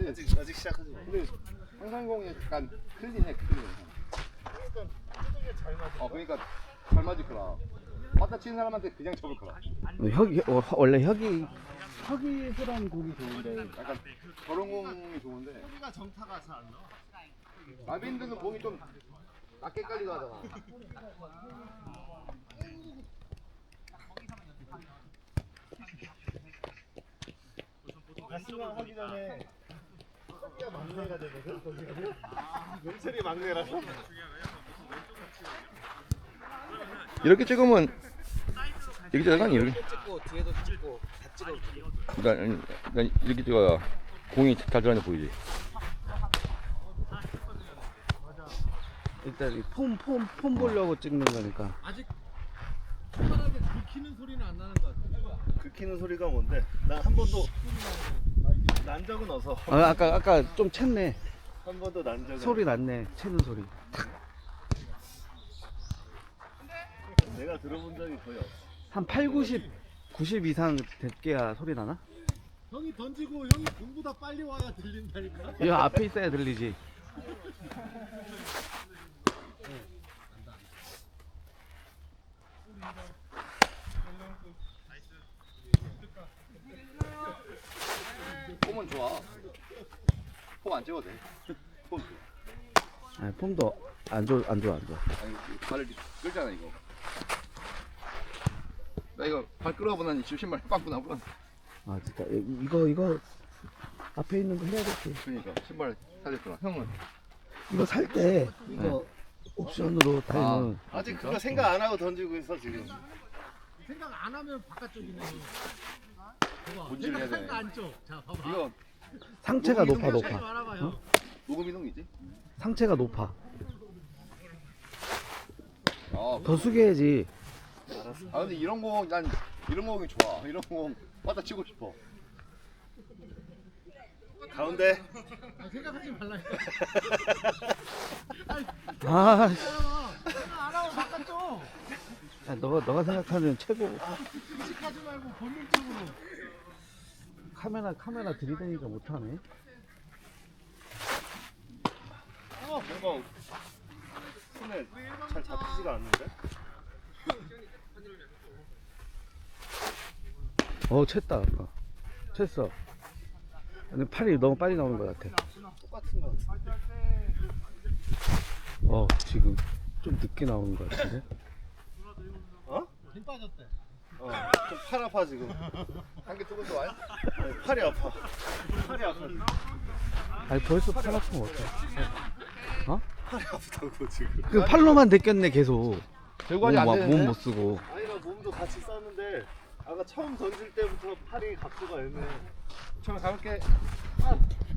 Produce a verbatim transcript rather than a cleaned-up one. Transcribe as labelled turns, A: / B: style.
A: 근데
B: 아직 아직 시작하지 마.
A: 근데 상상공이 약간 클린해 클린.
B: 그러니까 뚜둑에 잘 맞아.
A: 어 그러니까 잘 맞을 거라. 맞다 치는 사람한테 그냥 접을 거라.
C: 혁이 어, 원래 혁이 혁이 소란 곡이 좋은데
A: 약간 저런 공이 좋은데
B: 소리가 정타가 잘 안 나와.
A: 라빈드는 공이 좀 낮게 깔리고 하잖아.
B: 가스만 하기 전에 석기가 막내가 되거든. 거기는. 명철이 막내라서.
A: 이렇게 찍으면 이렇게 찍어야 이렇게.
D: 찍고 뒤에도 찍고 다 찍어.
A: 그러니까, 그러니까 이렇게 찍어야 공이 잘 들어가는 보이지.
C: 일단 폼폼 폼 보려고 찍는 거니까.
D: 아직 초반한테 들키는 소리는 안 나는 것 같아.
B: 긁히는 소리가 뭔데? 나 한 번도 난 적은 없어.
C: 아, 아까 아까 좀 챘네.
B: 한 번도 난 적은.
C: 소리 났네. 채는 소리.
B: 내가 들어본 적이 거의 없어.
C: 한 팔, 구십, 구십 이상 됐게야 소리 나나?
D: 형이 던지고 형이 공보다 빨리 와야 들린다니까.
C: 이 앞에 있어야 들리지.
A: 폼은 좋아. 폼 안 찍어도 돼. 폼 좋아.
C: 아니, 폼도 안 좋아 안 좋아 안 좋아.
A: 아니 발을 끌잖아 이거. 나 이거 발 끌어보니 지금 신발 빵꾸 나고.
C: 아 진짜 이- 이거 이거 앞에 있는 거 해야겠지.
A: 그러니까 신발 사줬구나. 형은
C: 이거 살 때 이거 옵션으로 달면
B: 아직 그거 생각 안 하고 던지고 있어 지금.
D: 생각 안 하면 바깥쪽이네. 봐봐.
A: 본질을 해야
D: 생각한
A: 돼.
D: 거 안쪽. 자 봐봐.
A: 이거
C: 상체가
A: 녹음
C: 높아
A: 이동이
D: 잘
C: 높아.
D: 말아봐 형.
A: 녹음 이동이지?
C: 상체가 높아.
A: 아,
C: 더 숙여야지.
A: 아 근데 이런 공 난 이런 공이 좋아. 이런 공 받아 치고 싶어.
B: 가운데.
D: 아, 생각하지 말라니까.
C: 아, 씨.
D: 생각 안 하고 바깥쪽.
C: 야, 너가 너가 생각하는 최고.
D: 의식하지 말고 본능적으로.
C: 카메라 카메라 들이대니까 못하네.
B: 어, 뭔가 손에 잘 잡히지가 않는데?
C: 어, 챘다 아까. 챘어. 근데 팔이 너무 빨리 나오는 것 같아.
B: 똑같은 거 같은데.
C: 어, 지금 좀 늦게 나오는 것 같은데.
B: 어?
D: 힘 빠졌대.
B: 어, 좀 팔 아파 지금.
A: 한 개 두고 좋아요?
B: 아니, 팔이 아파. 팔이 아파.
C: 아니 벌써 팔 아픈 거 같아. 어?
B: 팔이 아프다고 지금.
C: 그 팔로만 데꼈네 계속.
A: 결과지 안 되는데.
C: 몸못 쓰고.
B: 아니 나 몸도 같이 썼는데 아까 처음 던질 때부터 팔이 각도가 애매해.
A: 처음에 가볼게.